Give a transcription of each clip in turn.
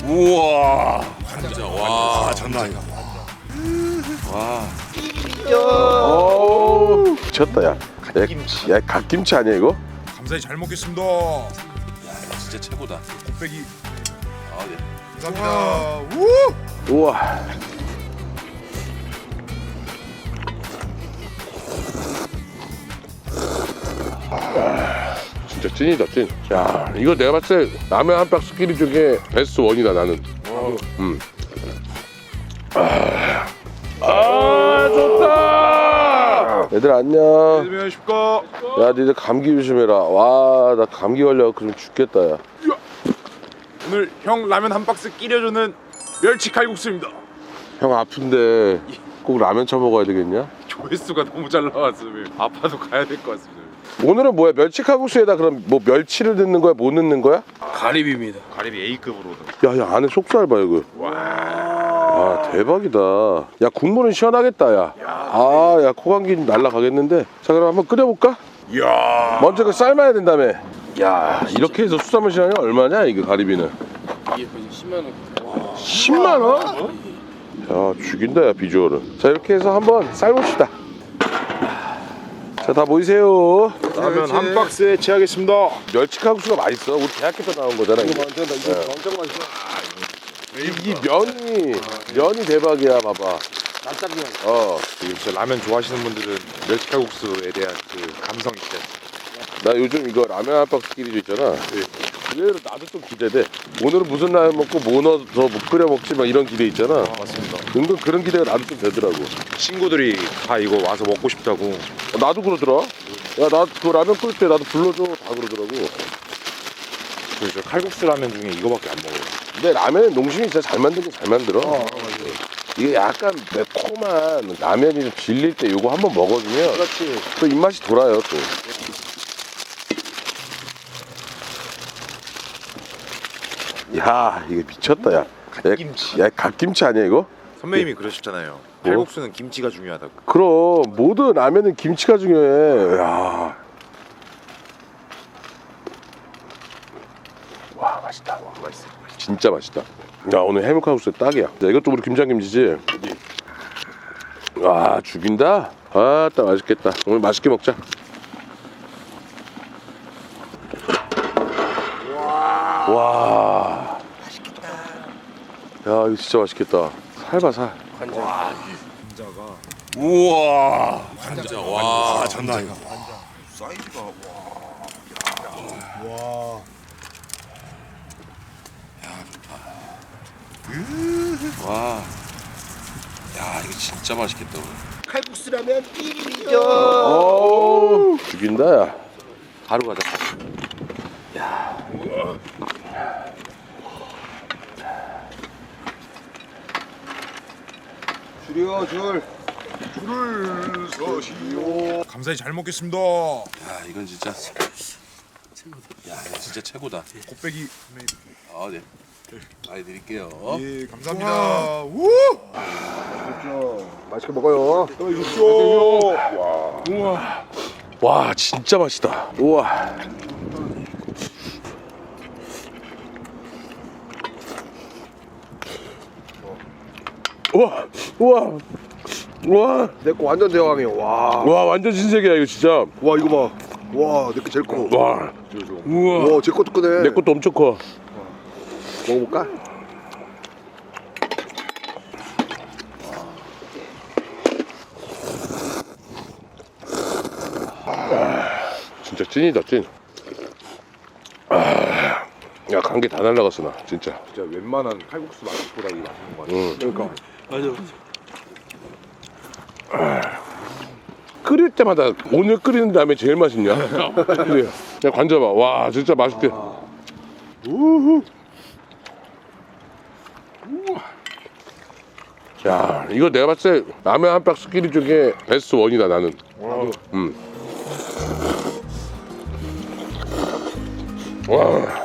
우와. 진짜 와 장난 아니다. 와. 오, 미쳤다 야. 갓김치. 야 갓김치 아니야 이거? 감사히 잘 먹겠습니다. 야 진짜 최고다. 곱빼기. 아 네. 감사합니다. 우. 우와. 진짜 찐이다 찐. 야 이거 내가 봤을 때 라면 한 박스 끼리 중에 베스트 원이다 나는. 아 좋다. 얘들 안녕. 안녕하십니까. 야 니들 감기 조심해라. 와 나 감기 걸려 그럼 죽겠다 야. 오늘 형 라면 한 박스 끼려주는 멸치 칼국수입니다. 형 아픈데 꼭 라면 쳐 먹어야 되겠냐? 조회수가 너무 잘 나왔으면 아파도 가야 될 것 같습니다. 오늘은 뭐야 멸치 칼국수에다 그럼 뭐 멸치를 넣는 거야 못 넣는 거야? 가리비입니다. 가리비 A급으로. 야야 안에 속살 봐 이거. 아 대박이다. 야 국물은 시원하겠다 야. 아야 코감기 날라가겠는데. 자 그럼 한번 끓여볼까? 이야. 먼저 그 삶아야 된다며. 야 이렇게 해서 수산물 시장이 얼마냐 이거 가리비는? 이게 거의 10만 원. 10만 원? 야 죽인다 야 비주얼은. 자 이렇게 해서 한번 삶읍시다. 자 다 모이세요. 라면 한 박스에 채하겠습니다. 멸치 칼국수가 맛있어. 우리 대학교 때 나온 거잖아. 이거 이거 엄청 맛있어. 이 면이 대박이야 봐봐. 납작이 지금 진짜 라면 좋아하시는 분들은 멸치 칼국수에 대한 그 감성 있죠. 나 요즘 이거 라면 한 박스 끼리도 있잖아. 의외로 나도 좀 기대돼. 오늘은 무슨 라면 먹고 뭐 넣어서 뭐 끓여 먹지 막 이런 기대 있잖아. 맞습니다. 은근 그런 기대가 나도 좀 되더라고. 친구들이 다 이거 와서 먹고 싶다고. 나도 그러더라. 야 나 그 라면 끓일 때 나도 불러줘 다 그러더라고. 그래서 칼국수 라면 중에 이거밖에 안 먹어요. 근데 라면은 농심이 진짜 잘 만들긴 잘 만들어. 이게 약간 매콤한 라면이 좀 질릴 때 요거 한번 먹어주면 그렇지. 또 입맛이 돌아요 또. 야 이게 미쳤다 야. 갓김치. 야 갓김치 아니야 이거? 선배님이 그러셨잖아요. 칼국수는 김치가 중요하다고. 그럼 모든 라면은 김치가 중요해. 야. 와 맛있다. 맛있어. 진짜 맛있다. 야 오늘 해물칼국수 딱이야. 자, 이것도 우리 김장김치지. 와 죽인다. 아따 맛있겠다. 오늘 맛있게 먹자. 와. 맛있겠다. 야 이거 진짜 맛있겠다. 살봐 살. 와 감자가. 우와. 감자. 와 장난 아니다. 사이즈가 와. 와. 야 이거 진짜 맛있겠다. 오늘. 칼국수라면 1위죠. 오 죽인다 야. 바로 가자. 줄이요 줄. 줄을 서시오. 감사히 잘 먹겠습니다. 야 이건 진짜 최고다. 야 이거 진짜 최고다. 곱빼기. 아 네. 많이 드릴게요. 예 감사합니다. 우. 그렇죠. 맛있게 먹어요. 또 육수. 와 진짜 맛있다. 우와. 우와 우와 우와 내 거 완전 대왕이에요. 와. 와 완전 신세계야 이거 진짜. 와 이거 봐. 와 내 거 제일 커. 와 우와 와 제 것도 크네. 내 것도 엄청 커. 먹어볼까? 진짜 찐이다 찐. 야 감기 다 날라갔어 나 진짜. 진짜 웬만한 칼국수 맛보다 이게 맛있는 거 같아. 그러니까. 맞아. 끓일 때마다 오늘 끓이는 다음에 제일 맛있냐? 그래. 야 관자봐. 와 진짜 맛있게. 우후. 야 이거 내가 봤을 때 라면 한 박스 끼리 중에 베스트 원이다 나는. 와.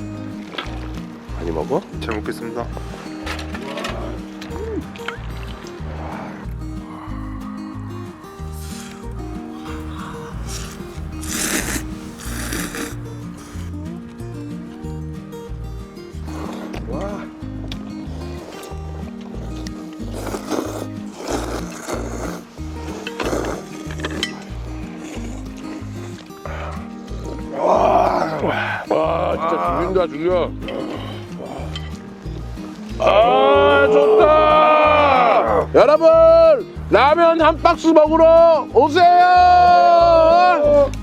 많이 먹어? 잘 먹겠습니다. 죽인다 죽여. 아 좋다. 여러분 라면 한 박스 먹으러 오세요.